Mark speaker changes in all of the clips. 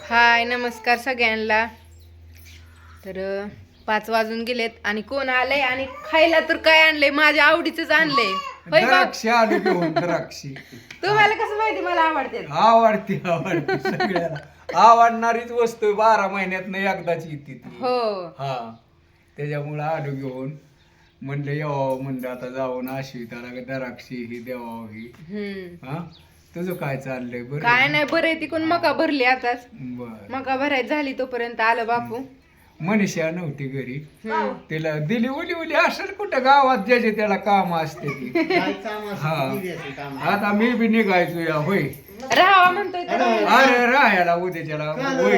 Speaker 1: हाय नमस्कार सगळ्यांना. तर 5 वाजून गेलेत आणि कोण आलंय आणि खायला तर काय आणलंय, माझ्या आवडीचंच आणलंय. होय का?
Speaker 2: द्राक्षी आलू घेऊन द्राक्षी.
Speaker 1: तुम्हाला कसं माहिती मला आवडते?
Speaker 2: आवडते सगळ्याला. आवडणारीच वस्तू 12 महिन्यात एकदाच येते ती.
Speaker 1: हो.
Speaker 2: हा त्याच्यामुळं आलू घेऊन म्हणलं यावं, म्हणलं आता जाऊन आश्विताला द्राक्षी ही द्यावं ही. हा तुझं काय चाललंय? बरं
Speaker 1: काय नाही, बरं आहे. तिकडून मका भरली आताच.
Speaker 2: बर.
Speaker 1: मका भरायची झाली तोपर्यंत आलं बापू.
Speaker 2: मनीषा नव्हती घरी,
Speaker 1: हम्म.
Speaker 2: तिला दिली उली असेल कुठं गावात ज्याचे त्याला काम असते ती. हा आता मी बी निघायचो या होय.
Speaker 1: राहावा म्हणतोय तर राहावा.
Speaker 2: अरे राहायला उद्याच्याला होय.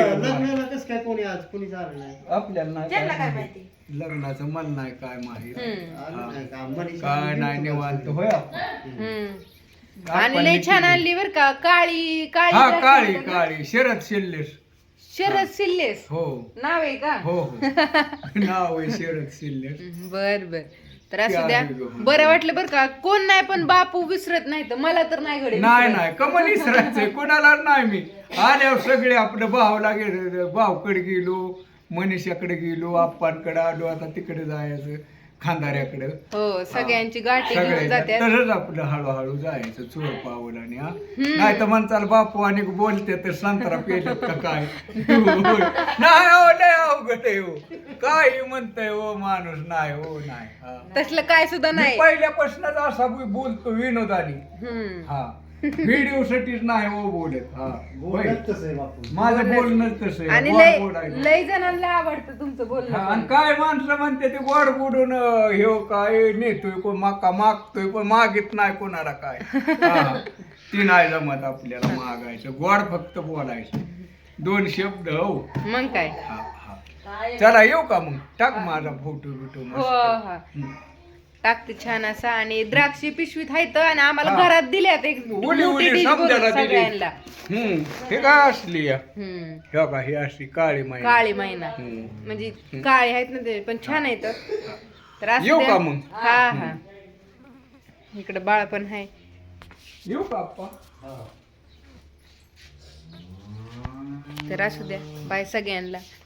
Speaker 2: आपल्याला नाही
Speaker 1: त्यांना काय
Speaker 2: काय
Speaker 1: माहिती?
Speaker 2: लग्नाचं मन नाही काय माहित.
Speaker 1: हम्म.
Speaker 2: काय नाही निवांत होय आपण.
Speaker 1: हम्म. आणि लय छान आणली बर का, काळी काळी
Speaker 2: हा
Speaker 1: द्राक्षे
Speaker 2: काळी
Speaker 1: म्हणतात ना?
Speaker 2: काळी शरद शिल्लेस.
Speaker 1: शरद सिल्लेस
Speaker 2: हो
Speaker 1: नाव आहे का?
Speaker 2: हो हो नाव आहे शरद शिल्लेस.
Speaker 1: बर बर. तर असू द्या.
Speaker 2: त्या आहे.
Speaker 1: बरं वाटलं बर का. कोण नाही पण बापू विसरत नाही तर मला तर नाही घडे
Speaker 2: नाही कमल इसरायचंय कोणाला नाही. मी आल्यावर सगळे आपलं भावला गेलो, भावकडे गेलो, मनीषाकडे गेलो, आप्पांकडे आलो, आता तिकडे जायचं खांदाऱ्याकडे.
Speaker 1: हो सगळ्यांची गाठी घेऊन
Speaker 2: सगळे
Speaker 1: जातात.
Speaker 2: तसंच आपलं हळूहळू जायचं चोर पावलं आणि हा नाही तर म्हणताल बापू आणि बोलते तर संत्रा पेलत का काय. नाही हो लय अवघड आहे हो. काही म्हणतंय हो माणूस. नाही हो नाही. हा.
Speaker 1: तसलं काय सुद्धा
Speaker 2: मी
Speaker 1: नाही.
Speaker 2: पहिल्यापासूनच असा बोलतो विनोदानी.
Speaker 1: हम्म.
Speaker 2: हा व्हिडिओ साठीच नाही हो बोलत. हा होय. माझं बोलणं तसं आहे.
Speaker 1: आणि
Speaker 2: गोड
Speaker 1: लय
Speaker 2: बोलायचं.
Speaker 1: लय जणांना आवडतं तुमचं
Speaker 2: हा,
Speaker 1: बोलणं
Speaker 2: आणि
Speaker 1: पण.
Speaker 2: काय माणसं म्हणते ते गोड बोलून हे काय नेतोय कोण माका मागतोय पण मागित नाही कोणाला काय. हा, ती नाही जमत आपल्याला मागायचं. गोड फक्त बोलायचं 2 शब्द. हो
Speaker 1: मग काय.
Speaker 2: हा हा चला येऊ का मग. टाक माझा फोटो बिटो
Speaker 1: हो
Speaker 2: मस्त.
Speaker 1: हा टाकते छान असा. आणि द्राक्षी पिशवीत आहेत आणि आम्हाला
Speaker 2: हा.
Speaker 1: घरात दिल्यात एक
Speaker 2: उली
Speaker 1: मोठी
Speaker 2: उली
Speaker 1: dish भरून
Speaker 2: समजायला दिली.
Speaker 1: सगळ्यांना.
Speaker 2: हे काय असली या
Speaker 1: हम्म.
Speaker 2: हे का ही अशी काळी माहिती.
Speaker 1: काळी महिना म्हणजे काळे आहेत ना ते पण छान आहेत. तर असू
Speaker 2: येऊ
Speaker 1: द्या.
Speaker 2: का मग?
Speaker 1: हा हा इकडे बाळ पण आहे.
Speaker 2: येऊ का आप्पा?
Speaker 1: तर असू द्या. बाय सगळ्यांना.